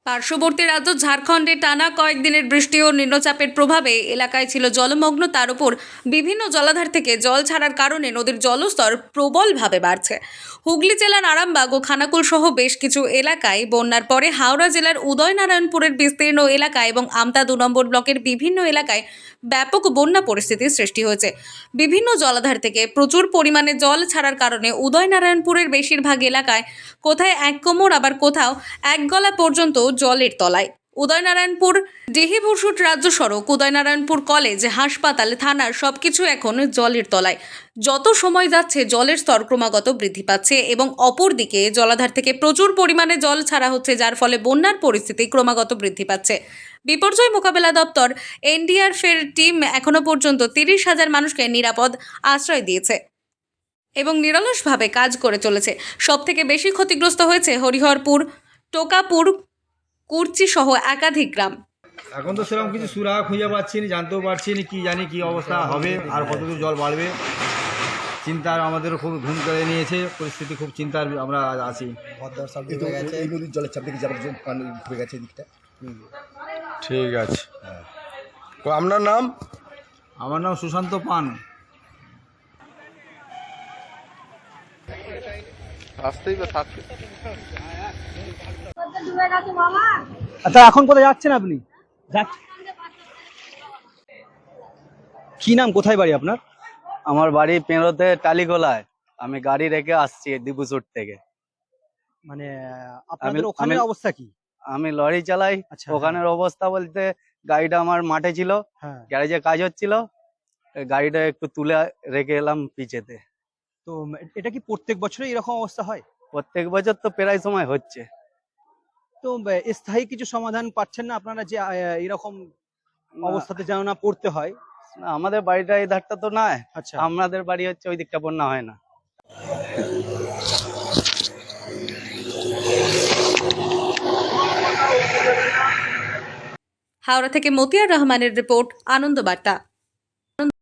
পার্শ্ববর্তী রাজ্য ঝাড়খণ্ডে টানা কয়েকদিনের বৃষ্টি ও নিম্নচাপের প্রভাবে এলাকায় ছিল জলমগ্ন। তার উপর বিভিন্ন জলাধার থেকে জল ছাড়ার কারণে নদীর জলস্তর প্রবলভাবে বাড়ছে। হুগলি জেলার আরামবাগ ও খানাকুল সহ বেশ কিছু এলাকায় বন্যার পরে হাওড়া জেলার উদয়নারায়ণপুরের বিস্তীর্ণ এলাকা এবং আমতা 2 নম্বর ব্লকের বিভিন্ন এলাকায় ব্যাপক বন্যা পরিস্থিতির সৃষ্টি হয়েছে। বিভিন্ন জলাধার থেকে প্রচুর পরিমাণে জল ছাড়ার কারণে উদয়নারায়ণপুরের বেশিরভাগ এলাকায় কোথায় এক কোমর আবার কোথাও এক গলা পর্যন্ত জলের তলায়। উদয়নারায়ণপুর ডিহিভূষুট রাজ্য সড়ক, উদয়নারায়ণপুর কলেজ, হাসপাতাল, থানার সবকিছু এখন জলের তলায়। যত সময় যাচ্ছে জলের স্তর ক্রমাগত বৃদ্ধি পাচ্ছে এবং অপরদিকে জলাধার থেকে প্রচুর পরিমাণে জল ছাড়া হচ্ছে, যার ফলে বন্যার পরিস্থিতি ক্রমাগত বৃদ্ধি পাচ্ছে। বিপর্যয় মোকাবেলা দপ্তর এনডিআরএফের টিম এখনো পর্যন্ত 30,000 মানুষকে নিরাপদ আশ্রয় দিয়েছে এবং নিরলসভাবে কাজ করে চলেছে। সবথেকে বেশি ক্ষতিগ্রস্ত হয়েছে হরিহরপুর, টোকাপুর, কুর্চি সহ একাধিক গ্রাম। এখন তো সেরকম কিছু সুরাহা খুঁজে পাচ্ছি না, জানতেও পারছি না কি জানি কি অবস্থা হবে আর কতদূর জল বাড়বে। চিন্তার আমাদেরও খুব ঘুম কেড়ে নিয়েছে, পরিস্থিতি খুব চিন্তার আমরা আছি। এই নদীর জলের চাপ দেখে যাবার পানি ঢুকে গেছে দিকটা। ঠিক আছে, তো আপনার নাম? আমার নাম সুশান্ত পান। আসতেই বা থাকবে। আচ্ছা, এখন কোথায় যাচ্ছেন আপনি? কি নাম, কোথায় বাড়ি আপনার? আমার বাড়ি পেরোতে টালিগোলায়। আমি গাড়ি রেখে আসছি ডিবুসুট থেকে। মানে আপনাদের ওখানে অবস্থা কি? আমি লরি চালাই। আচ্ছা, ওখানের অবস্থা বলতে গাড়িটা আমার মাঠে ছিল, হ্যাঁ। গ্যারেজে কাজ হচ্ছিল, গাড়িটা একটু তুলে রেখে এলাম পিছেতে। তো এটা কি প্রত্যেক বছরই এরকম অবস্থা হয়? প্রত্যেক বছর তো প্রায় সময় হচ্ছে। তো স্থায়ী কিছু সমাধান পাচ্ছেন না আপনারা যে এরকম অবস্থাতে যেন না পড়তে হয়? না, আমাদের বাড়িটা এই ধারটা তো নয়। আচ্ছা, আমাদের বাড়ি হচ্ছে ওই দিকটা, বন্যা হয় না। হাওড়া থেকে মতিয়ার রহমানের রিপোর্ট, আনন্দ বার্তা।